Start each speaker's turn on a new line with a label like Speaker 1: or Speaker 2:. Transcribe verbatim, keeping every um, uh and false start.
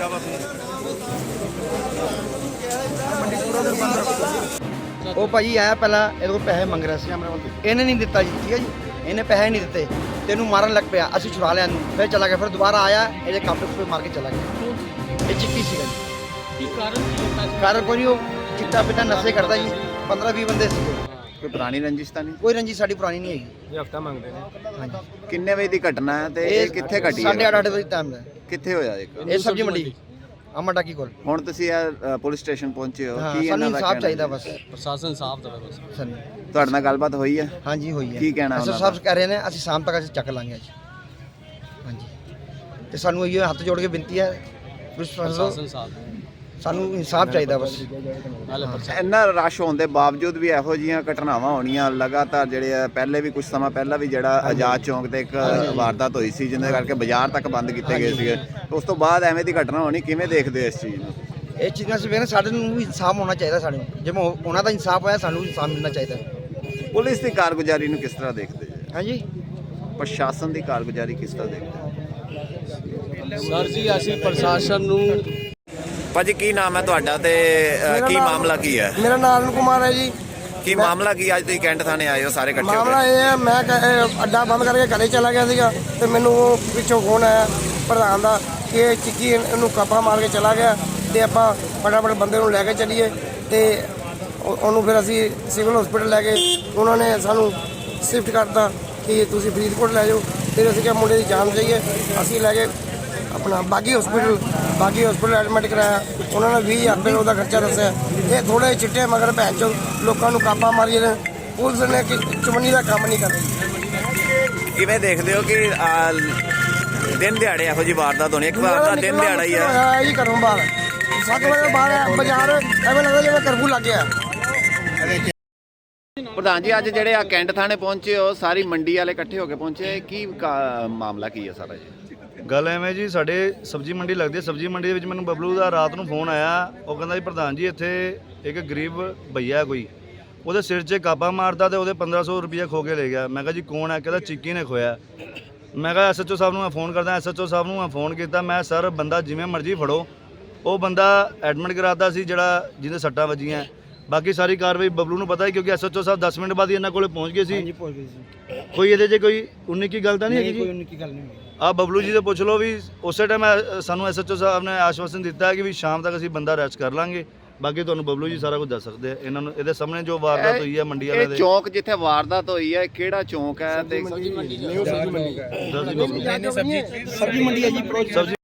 Speaker 1: ਉਹ ਭਾਜੀ ਆਇਆ ਪਹਿਲਾਂ ਇਹਦੇ ਕੋਲ ਪੈਸੇ ਮੰਗ ਰਿਹਾ ਸੀ, ਇਹਨੇ ਨਹੀਂ ਦਿੱਤਾ ਜੀ। ਠੀਕ ਹੈ ਜੀ, ਇਹਨੇ ਪੈਸੇ ਨਹੀਂ ਦਿੱਤੇ ਤੇ ਇਹਨੂੰ ਮਾਰਨ ਲੱਗ ਪਿਆ। ਅਸੀਂ ਛੁਡਾ ਲਿਆ ਇਹਨੂੰ, ਫਿਰ ਚਲਾ ਗਿਆ। ਫਿਰ ਦੁਬਾਰਾ ਆਇਆ, ਇਹਦੇ ਕਾਪੇ ਕੋਲ ਮਾਰ ਕੇ ਚਲਾ ਗਿਆ। ਇਹ ਚਿੱਟੀ ਸੀਗਾ ਜੀ। ਕੀ ਕਾਰਨ? ਕਾਰਨ ਕੋਈ ਨਹੀਂ, ਉਹ ਚਿੱਟਾ ਪਿੱਟਾ ਨਸ਼ੇ ਕਰਦਾ ਜੀ। ਪੰਦਰਾਂ ਵੀਹ ਬੰਦੇ ਸੀਗੇ।
Speaker 2: ਕੋਈ ਪੁਰਾਣੀ ਰੰਜਿਸ਼ ਤਾਂ ਨਹੀਂ?
Speaker 1: ਕੋਈ ਰੰਜਿਸ਼ ਸਾਡੀ ਪੁਰਾਣੀ ਨਹੀਂ ਹੈਗੀ।
Speaker 3: ਇਹ ਹਫਤਾ ਮੰਗਦੇ ਨੇ।
Speaker 1: ਹਾਂਜੀ।
Speaker 2: ਕਿੰਨੇ ਵਜੇ ਦੀ ਘਟਨਾ ਹੈ ਤੇ ਇਹ ਕਿੱਥੇ ਘਟੀ ਹੈ?
Speaker 1: ਸਾਢੇ ਅੱਠ ਅੱਠ ਵਜੇ ਟਾਈਮ ਦਾ।
Speaker 2: ਕਿੱਥੇ ਹੋਇਆ ਇੱਕ?
Speaker 1: ਇਹ ਸਬਜ਼ੀ ਮੰਡੀ ਅਮਰ ਟਾਕੀ ਕੋਲ।
Speaker 2: ਹੁਣ ਤੁਸੀਂ ਇਹ ਪੁਲਿਸ ਸਟੇਸ਼ਨ ਪਹੁੰਚੇ ਹੋ, ਕੀ
Speaker 1: ਸਾਨੂੰ
Speaker 2: ਇਹਨਾਂ ਦਾ
Speaker 1: ਇਨਸਾਫ ਚਾਹੀਦਾ ਬਸ।
Speaker 3: ਪ੍ਰਸ਼ਾਸਨ ਸਾਫ ਦੇਵੇ ਬਸ
Speaker 1: ਸਾਨੂੰ।
Speaker 2: ਤੁਹਾਡੇ ਨਾਲ ਗੱਲਬਾਤ ਹੋਈ ਹੈ?
Speaker 1: ਹਾਂਜੀ ਹੋਈ ਹੈ।
Speaker 2: ਕੀ ਕਹਿਣਾ
Speaker 1: ਅਸਰ
Speaker 2: ਉਹਨਾਂ
Speaker 1: ਸਾਹਿਬ ਕਹਿ ਰਹੇ ਨੇ ਅਸੀਂ ਸ਼ਾਮ ਤੱਕ ਅਸੀਂ ਚੱਕ ਲਾਂਗੇ ਅੱਜ। ਹਾਂਜੀ, ਤੇ ਸਾਨੂੰ ਇਹ ਹੱਥ ਜੋੜ ਕੇ ਬੇਨਤੀ ਹੈ,
Speaker 3: ਪ੍ਰਸ਼ਾਸਨ ਸਾਫ
Speaker 1: ਸਾਨੂੰ ਇਨਸਾਫ ਚਾਹੀਦਾ ਬਸ।
Speaker 2: ਇੰਨਾ ਰਸ਼ ਹੋਣ ਦੇ ਬਾਵਜੂਦ ਵੀ ਇਹੋ ਜਿਹੀਆਂ ਘਟਨਾਵਾਂ ਹੋਣੀਆਂ ਲਗਾਤਾਰ, ਜਿਹੜੇ ਆ ਪਹਿਲੇ ਵੀ ਕੁਝ ਸਮਾਂ ਪਹਿਲਾਂ ਵੀ ਜਿਹੜਾ ਆਜ਼ਾਦ ਚੌਂਕ ਤੇ ਇੱਕ ਵਾਰਦਾਤ ਹੋਈ ਸੀ ਜਿਹਦੇ ਕਰਕੇ ਬਾਜ਼ਾਰ ਤੱਕ ਬੰਦ ਕੀਤੇ ਗਏ ਸੀਗੇ। ਉਸ ਤੋਂ ਬਾਅਦ ਐਵੇਂ ਦੀ ਘਟਨਾ ਹੋਣੀ, ਕਿਵੇਂ ਦੇਖਦੇ ਹੋ ਇਸ ਚੀਜ਼ ਨੂੰ?
Speaker 1: ਇਹ ਚੀਜ਼ਾਂ ਸਵੇਰੇ ਸਾਡੇ ਨੂੰ ਵੀ ਇਨਸਾਫ ਹੋਣਾ ਚਾਹੀਦਾ। ਸਾਡੇ ਨੂੰ ਜਿਵੇਂ ਉਹਨਾਂ ਦਾ ਇਨਸਾਫ ਹੋਇਆ, ਸਾਨੂੰ ਇਨਸਾਫ ਮਿਲਣਾ ਚਾਹੀਦਾ।
Speaker 2: ਪੁਲਿਸ ਦੀ ਕਾਰਗੁਜ਼ਾਰੀ ਨੂੰ ਕਿਸ ਤਰ੍ਹਾਂ ਦੇਖਦੇ ਜੀ?
Speaker 1: ਹਾਂਜੀ,
Speaker 2: ਪ੍ਰਸ਼ਾਸਨ ਦੀ ਕਾਰਗੁਜ਼ਾਰੀ ਕਿਸ ਤਰ੍ਹਾਂ ਦੇਖਦੇ?
Speaker 3: ਸਰ ਜੀ ਅਸੀਂ ਪ੍ਰਸ਼ਾਸਨ ਨੂੰ।
Speaker 2: ਭਾਜੀ ਕੀ ਨਾਮ ਹੈ ਤੁਹਾਡਾ ਤੇ ਕੀ ਮਾਮਲਾ ਕੀ ਹੈ?
Speaker 4: ਮੇਰਾ ਨਾਮ ਅਰੁਣ ਕੁਮਾਰ ਹੈ ਜੀ।
Speaker 2: ਕੀ ਮਾਮਲਾ ਕੀ ਅੱਜ ਤੁਸੀਂ ਕੈਂਟ ਥਾਣੇ ਆਏ ਹੋ ਸਾਰੇ ਇਕੱਠੇ ਹੋ
Speaker 4: ਮਾਮਲਾ
Speaker 2: ਕੇ?
Speaker 4: ਇਹ ਹੈ, ਮੈਂ ਕ- ਇਹ ਅੱਡਾ ਬੰਦ ਕਰਕੇ ਘਰੇ ਚਲਾ ਗਿਆ ਸੀਗਾ ਤੇ ਮੈਨੂੰ ਉਹ ਪਿੱਛੋਂ ਫੋਨ ਆਇਆ ਪ੍ਰਧਾਨ ਦਾ ਕਿ ਇਹ ਚਿੱਕੀ ਇਹਨੂੰ ਕਾਪਾ ਮਾਰ ਕੇ ਚਲਾ ਗਿਆ ਤੇ ਆਪਾਂ ਫਟਾਫਟ ਬੰਦੇ ਨੂੰ ਲੈ ਕੇ ਚੱਲੀਏ। ਤੇ ਉਹ- ਉਹਨੂੰ ਫਿਰ ਅਸੀਂ ਸਿਵਲ ਹਸਪੀਟਲ ਲੈ ਗਏ। ਉਹਨਾਂ ਨੇ ਸਾਨੂੰ ਸ਼ਿਫਟ ਕਰਤਾ ਕਿ ਤੁਸੀਂ ਫਰੀਦਕੋਟ ਲੈ ਜਾਓ। ਫਿਰ ਅਸੀਂ ਕਿਹਾ ਮੁੰਡੇ ਦੀ ਜਾਨ ਚਾਹੀਏ, ਅਸੀਂ ਲੈ ਕੇ ਆਪਣਾ ਬਾਗੀ ਹਸਪੀਟਲ ਬਾਗੀ ਹਸਪੀਟਲ ਐਡਮਿਟ ਕਰਾਇਆ। ਉਹਨਾਂ ਨੇ ਵੀਹ ਹਜ਼ਾਰ ਰੁਪਏ ਉਹਦਾ ਖਰਚਾ ਦੱਸਿਆ। ਇਹ ਥੋੜੇ ਚਿੱਟੇ ਮਗਰ ਭੈਣ ਚੋ ਲੋਕਾਂ ਨੂੰ ਕਾਪਾ ਮਾਰੀ ਨੇ। ਪੁਲਿਸ ਨੇ ਕਿ ਚੁਮਨੀ ਦਾ ਕੰਮ ਨਹੀਂ ਕਰਦੀ।
Speaker 2: ਕਿਵੇਂ ਦੇਖਦੇ ਹੋ ਕਿ ਆ, ਦਿਨ ਦਿਹਾੜੇ ਇਹੋ ਜਿਹੀ ਵਾਰਦਾਤ ਹੋਣੀ? ਇੱਕ ਵਾਰ ਦਾ ਦਿਨ ਦਿਹਾੜਾ ਹੀ ਆ
Speaker 4: ਹੈ ਜੀ। ਘਰੋਂ ਬਾਹਰ ਸੱਤ ਵਜੇ ਬਾਹਰ ਬਾਜ਼ਾਰ ਐਵੇਂ ਲੱਗਦਾ ਜਿਵੇਂ ਕਰਫਿਊ ਲੱਗ ਗਿਆ।
Speaker 2: ਪ੍ਰਧਾਨ ਜੀ, ਅੱਜ ਜਿਹੜੇ ਆ ਕੈਂਟ ਥਾਣੇ ਪਹੁੰਚੇ ਹੋ, ਸਾਰੀ ਮੰਡੀ ਵਾਲੇ ਇਕੱਠੇ ਹੋ ਕੇ ਪਹੁੰਚੇ, ਕੀ ਕਾ- ਮਾਮਲਾ ਕੀ ਹੈ ਸਾਰਾ ਜੀ?
Speaker 5: ਗੱਲ ਐਵੇਂ ਜੀ, ਸਾਡੇ ਸਬਜ਼ੀ ਮੰਡੀ ਲੱਗਦੀ ਹੈ। ਸਬਜ਼ੀ ਮੰਡੀ ਦੇ ਵਿੱਚ ਮੈਨੂੰ ਬਬਲੂ ਦਾ ਰਾਤ ਨੂੰ ਫੋਨ ਆਇਆ। ਉਹ ਕਹਿੰਦਾ ਜੀ ਪ੍ਰਧਾਨ ਜੀ ਇੱਥੇ ਇੱਕ ਗਰੀਬ ਭਈਆ ਕੋਈ, ਉਹਦੇ ਸਿਰ 'ਚ ਕਾਪਾ ਮਾਰਦਾ ਤੇ ਉਹਦੇ ਪੰਦਰਾਂ ਸੌ ਰੁਪਈਆ ਖੋ ਕੇ ਲੈ ਗਿਆ। ਮੈਂ ਕਿਹਾ ਜੀ ਕੌਣ ਹੈ? ਕਹਿੰਦਾ ਚਿੱਕੀ ਨੇ ਖੋਇਆ। ਮੈਂ ਕਿਹਾ ਐਸ ਐਚ ਓ ਸਾਹਿਬ ਨੂੰ ਮੈਂ ਫੋਨ ਕਰਦਾ। ਐਸ ਐਚ ਓ ਸਾਹਿਬ ਨੂੰ ਮੈਂ ਫੋਨ ਕੀਤਾ। ਮੈਂ ਸਰ ਬੰਦਾ ਜਿਵੇਂ ਮਰਜ਼ੀ ਫੜੋ। ਉਹ ਬੰਦਾ ਐਡਮਿਟ ਕਰਾਤਾ ਸੀ ਜਿਹੜਾ ਜਿਹਦੇ ਸੱਟਾਂ ਵੱਜੀਆਂ। ਬਾਕੀ ਸਾਰੀ ਕਾਰਵਾਈ ਬਬਲੂ ਨੂੰ ਪਤਾ ਹੈ ਕਿਉਂਕਿ ਐਸ ਐਚ ਓ ਸਾਹਿਬ ਦਸ ਮਿੰਟ ਬਾਅਦ ਹੀ ਇਹਨਾਂ ਕੋਲੇ ਪਹੁੰਚ ਗਏ ਸੀ। ਕੋਈ ਇਹਦੇ 'ਚ ਕੋਈ ਉਨੀ ਕੀ ਗੱਲ ਤਾਂ ਨਹੀਂ ਹੈਗੀ ਜੀ?
Speaker 1: ਕੋਈ ਉਨੀ ਕੀ ਗੱਲ ਨਹੀਂ।
Speaker 5: ਆ ਬਬਲੂ ਜੀ ਤੋਂ ਪੁੱਛ ਲਓ ਵੀ ਉਸੇ ਟਾਈਮ ਸਾਨੂੰ ਐਸ ਐਚ ਓ ਸਾਹਿਬ ਨੇ ਆਸ਼ਵਾਸਨ ਦਿੱਤਾ ਕਿ ਵੀ ਸ਼ਾਮ ਤੱਕ ਅਸੀਂ ਬੰਦਾ ਅਰੈਸਟ ਕਰ ਲਾਂਗੇ। ਬਾਕੀ ਤੁਹਾਨੂੰ ਬਬਲੂ ਜੀ ਸਾਰਾ ਕੁਝ ਦੱਸ ਸਕਦੇ ਆ। ਇਹਨਾਂ ਨੂੰ ਇਹਦੇ ਸਾਹਮਣੇ ਜੋ ਵਾਰਦਾਤ ਹੋਈ ਹੈ ਮੰਡੀ ਵਾਲੇ
Speaker 2: ਇਹ
Speaker 5: ਦੇ।
Speaker 2: ਚੌਂਕ ਜਿੱਥੇ ਵਾਰਦਾਤ ਹੋਈ ਹੈ ਕਿਹੜਾ ਚੌਂਕ ਹੈ? ਤੇ
Speaker 1: ਸਬਜ਼ੀ ਮੰਡੀ ਹੈ ਜੀ।